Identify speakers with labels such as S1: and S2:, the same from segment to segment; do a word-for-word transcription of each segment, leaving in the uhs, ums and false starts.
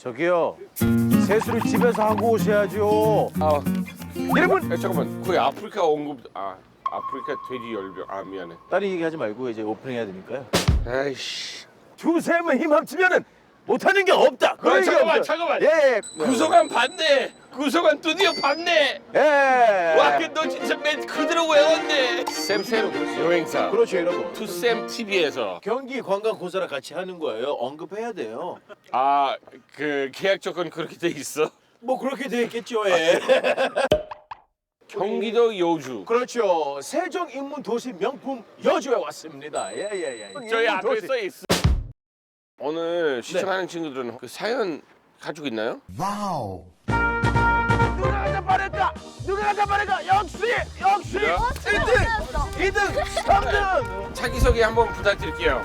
S1: 저기요. 세수를 집에서 하고 오셔야죠.
S2: 아,
S1: 여러분.
S2: 야, 잠깐만. 거기 아프리카 언급. 아, 아프리카 돼지 열병. 아, 미안해.
S1: 다른 얘기하지 말고 이제 오프닝 해야 되니까요.
S2: 아이씨.
S1: 두세면 힘 합치면은 못하는 게 없다. 그런
S2: 아,
S1: 얘기
S2: 잠깐만,
S1: 없어요.
S2: 잠깐만.
S1: 예, 예.
S2: 구성한 봤네. 구성한 드디어 봤네.
S1: 예.
S2: 와, 그 너 진짜 맨 그대로 외웠네. 쌤쌤 여행사.
S1: 그렇죠, 여러분.
S2: 투쌤 티비에서.
S1: 경기 관광고사랑 같이 하는 거예요. 언급해야 돼요.
S2: 아, 그 계약 조건 그렇게 돼 있어?
S1: 뭐 그렇게 돼 있겠죠. 예.
S2: 경기도 여주.
S1: 그렇죠. 세종 인문 도시 명품 여주에 왔습니다. 예, 예, 예.
S2: 저희
S1: 인문
S2: 앞에
S1: 도시.
S2: 써 있어. 오늘 시청하는 친구들은 그 사연 가지고 있나요?
S3: 와우.
S1: 누가 가자 말할까? 누가 가자 말할까? 역시, 역시
S2: 그래요?
S1: 일 등, 이 등, 삼 등.
S2: 자기소개 한번 부탁드릴게요.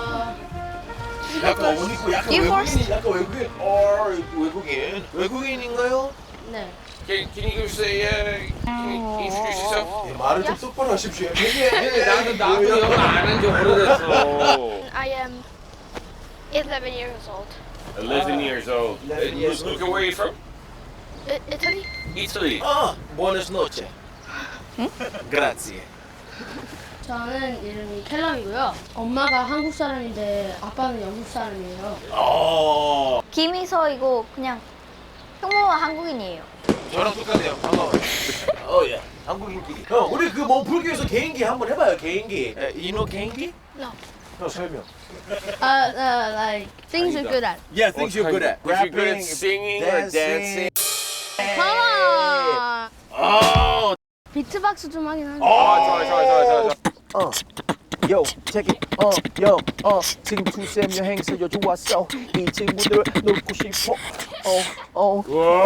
S1: 약간 옷 입고 약간
S4: You
S1: 외국인, 약간 외국인, 어 외국인, 외국인인가요?
S4: 네.
S2: Can, can you give us a, uh, can you introduce yourself?
S1: 예, 말을 좀 똑바로 하십시오.
S2: 네, 나도 나도 영어 안 한 지 오래됐어.
S4: I am eleven years old.
S2: eleven years old.
S1: eleven years old.
S2: Where are you from?
S4: I- Italy?
S2: Italy.
S1: 아, buenas noches. Grazie.
S5: 저는 이름이 캘럼이고요. 엄마가 한국 사람인데 아빠는 영국 사람이에요.
S1: 어,
S4: 김희서이고 그냥 형모가 한국인이에요.
S1: 저랑 똑같네요. 반가워요. 어, 예. 한국인끼리. 형, 우리 그 몸풀기에서 개인기 한번 해봐요. 개인기. 에, 이노 개인기?
S4: No.
S1: 형 설명.
S5: Uh, uh, like things you're good at.
S1: Yeah, things you're good at.
S2: If you're good at singing or dancing.
S5: Come on.
S1: 어,
S5: 비트박스 좀 하긴 하는데.
S2: 아, 좋아, 좋아, 좋아, 좋아, 좋아.
S1: 어, 요, check it. 어, 요, 어, 지금 투쌤 여행사 여주 왔어. 이 친구들 놀고 싶어. 어, 어.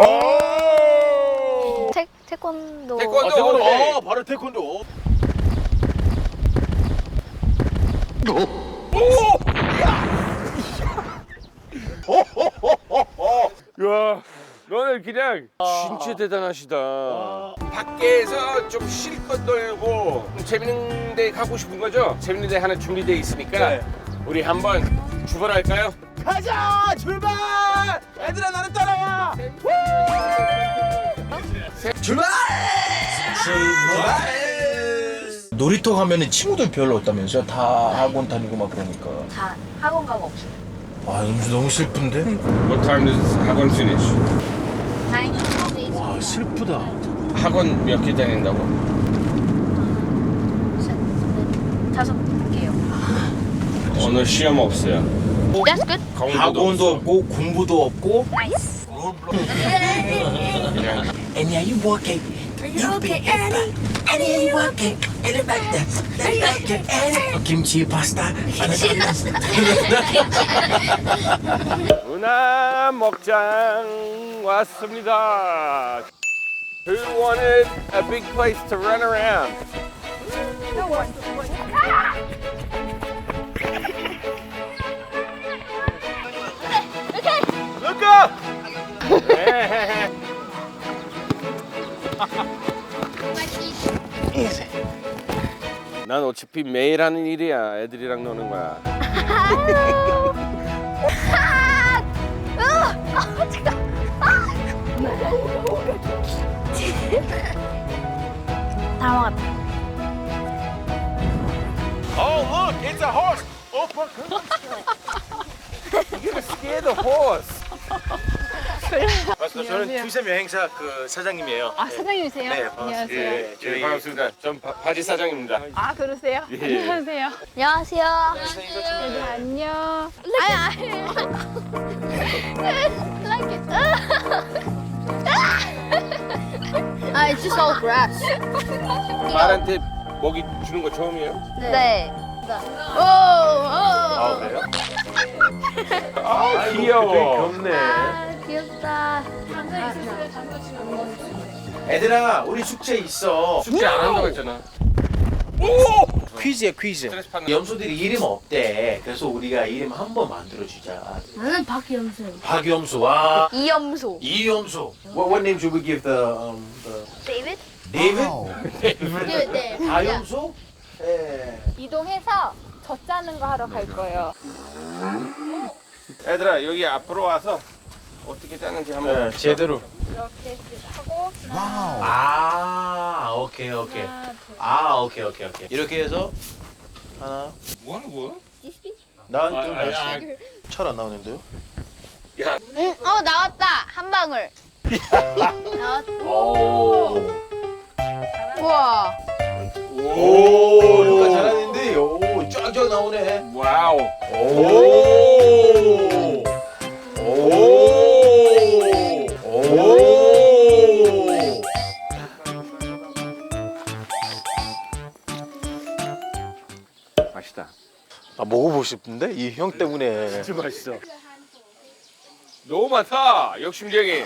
S2: 와!
S4: 태 태권도.
S2: 태권도.
S1: 아, 태권도.
S2: 오케이.
S1: 어, 바로 태권도.
S2: 야, 너는 그냥 진짜 대단하시다. 밖에서 좀 실컷 놀고 좀 재밌는 데 가고 싶은 거죠? 재밌는 데 하나 준비돼 있으니까
S1: 네.
S2: 우리 한번 출발할까요?
S1: 가자, 출발! 얘들아, 나를 따라와. 출발! 출발! 놀이터 가면은 친구들 별로 없다면서요? 다 학원 다니고 막 그러니까.
S4: 다 학원 가고 없어요.
S1: 아, 너무, 너무 슬픈데?
S2: What time does 학원 finish?
S4: 다행히 days.
S1: 와, 슬프다.
S2: 학원 몇 개 다닌다고?
S4: 다섯 개요.
S2: 오늘 시험 없어요.
S4: That's good.
S2: 공부도
S1: 학원도
S2: 없어.
S1: 없고 공부도 없고.
S4: Nice.
S2: 그냥
S3: And yeah, you walking. You okay, Annie? Annie, you walking? In the back there. Are you okay, Annie? Kimchi pasta.
S2: 문화 먹장 왔습니다. Who wanted a big place to run around?
S1: Look up!
S2: 난 어차피 매일 하는 일이야. 애들이랑 노는 거야.
S4: 다 먹었다.
S2: Oh, look, it's a horse. Oh, fuck. You're gonna scare the horse.
S1: 맞습니다. 저는 투쌤 여행사 그 사장님이에요.
S6: 아 사장님이세요?
S1: 네, 반갑습니다.
S6: 안녕하세요.
S1: 예,
S2: 네, 반갑습니다. 전 바, 바지 사장입니다.
S6: 아 그러세요?
S2: 예.
S6: 안녕하세요.
S4: 안녕하세요.
S6: 네, 안녕.
S4: 아니 아니. Like it.
S5: Ah, it's just all grass.
S2: 말한테 먹이 주는 거 처음이에요?
S4: 네.
S5: Oh, oh.
S2: 아, 그래요? 아, 귀여워.
S1: 귀엽네.
S4: 아 귀엽다.
S1: 애들아, 우리 숙제 있어.
S2: 숙제 안 한다고 했잖아.
S1: 퀴즈야, 퀴즈.
S2: 스트레스 받는
S1: 염소들이 이름 없대. 그래서 우리가 이름 한 번 만들어주자.
S5: 나는 박영수.
S1: 박염소와
S4: 이염소.
S1: 이염소. What, what name should we give the um the
S4: David?
S1: David?
S5: 네.
S1: 다염소? 예.
S6: 이동해서 젖 짜는 거 하러 갈 거예요.
S2: 애들아, 여기 앞으로 와서 어떻게 짜는지 한번.
S1: 네, 제대로.
S6: 이렇게 하고
S1: 아, 오케이, 오케이. 아, 오케이, 오케이, 오케이. 이렇게 해서 하나.
S2: 뭐 하는 거야?
S1: 난좀
S2: 아, 아,
S1: 잘안 나오는데요?
S2: 야,
S4: 응, 어 나왔다 한 방울. 나왔.
S1: 오.
S4: 우와.
S1: 오, 루카 잘하는데. 오, 쫙쫙 나오네.
S2: 와우.
S1: 오. 오. 오.
S2: 맛있다.
S1: 아, 먹어보고 싶은데? 이 형 때문에.
S2: 진짜 맛있어. 너무 많다. 욕심쟁이.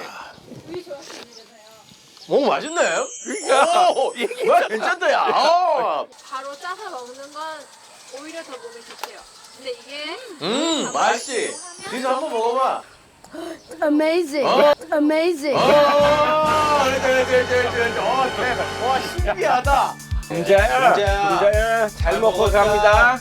S1: 오, 맛있네.
S2: 그러니까.
S1: 오, 이게 괜찮다, 야. 아.
S6: 바로 짜서 먹는 건 오히려 더 몸에 좋대요. 근데 이게
S1: 음, 맛있지? 진짜 한번 먹어봐.
S5: Amazing.
S1: 어?
S5: Amazing.
S1: 아, 그렇다, 그렇다, 그렇다, 그렇다. 어, 대박. 와, 신기하다.
S2: 금자야.
S1: 금자야.
S2: 금자야. 잘 먹고 갑니다.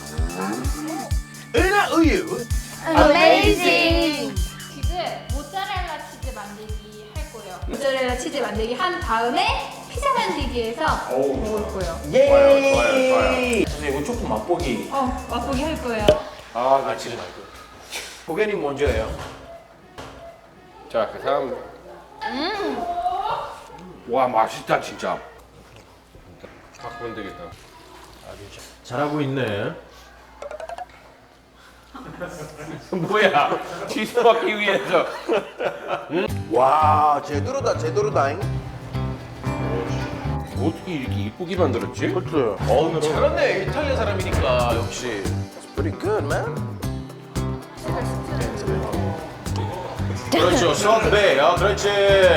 S1: 은하 우유.
S4: Amazing.
S6: 치즈 모짜렐라 치즈 만들기 할 거예요. 모짜렐라 치즈 만들기 한 다음에 피자 만들기에서 먹을 거예요.
S1: 예.
S2: 좋아요, 좋아요, 좋아요.
S1: 근데 이거 조금 맛보기.
S6: 어 맛보기 할 거예요.
S2: 아,
S1: 아, 지금 말고. 고객님 먼저예요.
S2: 자, 그 다음. 와, 맛있다, 진짜. 갖고 오면 되겠다.
S1: 잘하고 있네.
S2: 뭐야? 치즈 받기 위해서.
S1: 와, 제대로다, 제대로다잉.
S2: 어떻게 이렇게 이쁘게 만들었지?
S1: 그렇죠. 어, 잘했네. 이탈리아 사람이니까 역시. It's pretty good, man. 그렇죠. 셔트베이. 아, 그렇지.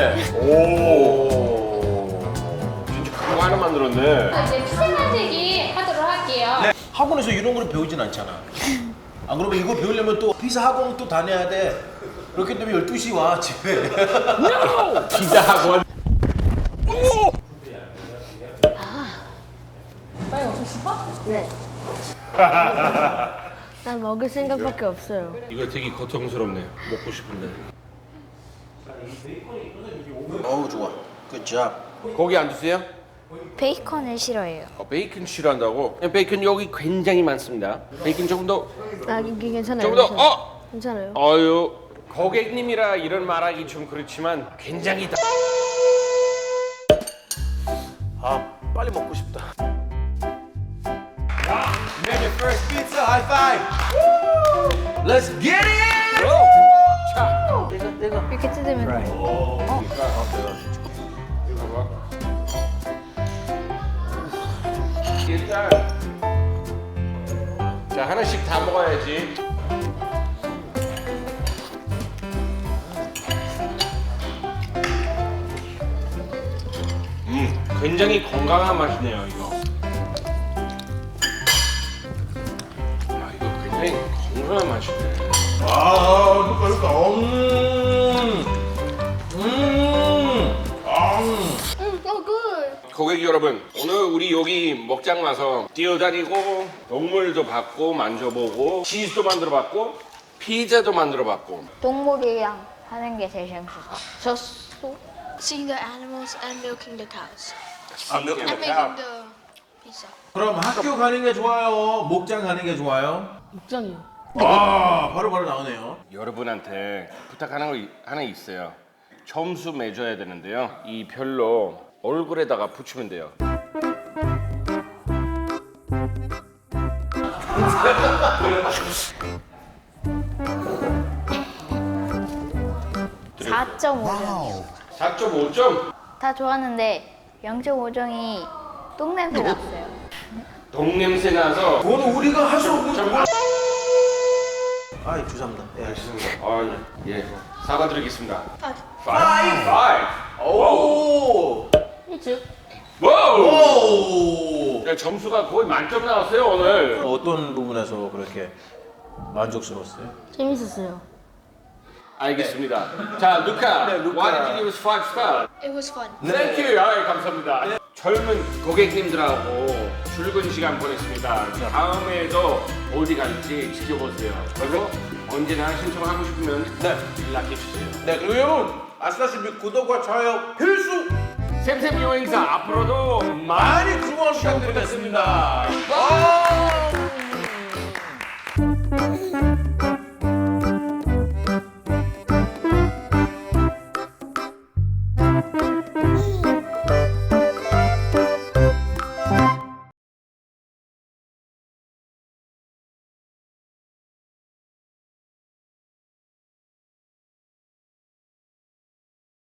S1: 오.
S2: 진짜 그거 하나 만들었네.
S6: 이제 피자 만들기 하도록 할게요.
S7: 학원에서 이런 걸 배우진 않잖아. 안 그러면 이거 배우려면 또 피자 학원 또 다녀야 돼. 그렇기 때문에 열두 시 와 집에.
S2: 피자 학원.
S5: 네. 난 먹을 생각밖에 없어요.
S2: 이거 되게 고통스럽네. 먹고 싶은데.
S7: 어우 좋아. 굿잡.
S2: 고기 안 드세요?
S4: 베이컨을 싫어해요.
S2: 어, 베이컨 싫어한다고? 베이컨 여기 굉장히 많습니다. 베이컨 조금 더,
S5: 아, 이게 괜찮아요.
S2: 조금 더.
S5: 괜찮아요.
S2: 어,
S5: 괜찮아요.
S2: 어유. 고객님이라 이런 말하기 좀 그렇지만 굉장히 다.
S1: 아, 빨리 먹고 싶다.
S7: Make it first pizza high five. Let's get it.
S2: 자,
S4: 이렇게 뜯으면 돼.
S2: 일단 자 하나씩 다 먹어야지. 음, 굉장히 건강한 맛이네요 이거. 야 이거 굉장히 건강한 맛이네.
S7: 아, 누가 누가. 음. 음. 아.
S5: Oh, good.
S2: 고객 여러분, 오늘 우리 여기 먹장 와서 뛰어다니고 동물도 봤고 만져보고 치즈도 만들어봤고 피자도 만들어봤고
S4: 동물이랑 하는 게 제일 재밌었어.
S5: Seeing the animals and milking the cows.
S2: 아, 몇 개
S5: And making the pizza.
S7: 그럼 학교 가는 게 좋아요? 목장 가는 게 좋아요?
S5: 입장이요.
S7: 아, 바로 바로 나오네요.
S2: 여러분한테 부탁하는 거 이- 하나 있어요. 점수 매줘야 되는데요. 이 별로 얼굴에다가 붙이면 돼요.
S4: 사 점 오 점이요.
S2: 사 점 오 점.
S4: 다 좋았는데 영 점 오 점이 똥냄새 났어요.
S2: 동냄새 나서.
S7: 그거는 우리가 할 수 없는.
S2: 정말.
S7: 아, 죄송합니다. 예.
S2: 아, 예. 사과드리겠습니다.
S5: Five.
S2: 파이브.
S7: 오.
S2: 와우.
S7: 오.
S2: 야, 점수가 거의 만점 나왔어요 오늘.
S7: 어떤 부분에서 그렇게 만족스러웠어요?
S5: 재밌었어요.
S2: 알겠습니다. 자, 루카. Why did you give us five star?
S5: It was fun.
S2: Thank you. 아, 감사합니다. 젊은 고객님들하고 즐거운 시간 보냈습니다. 다음에도 어디 갈지 지켜보세요. 그리고 언제나 신청하고 싶으면
S7: 네.
S2: 연락해 주세요.
S7: 네, 그리고 여러분 아시다시피 구독과 좋아요 필수
S2: 샘샘 여행사 앞으로도
S7: 많이 주문 부탁드리겠습니다. 아!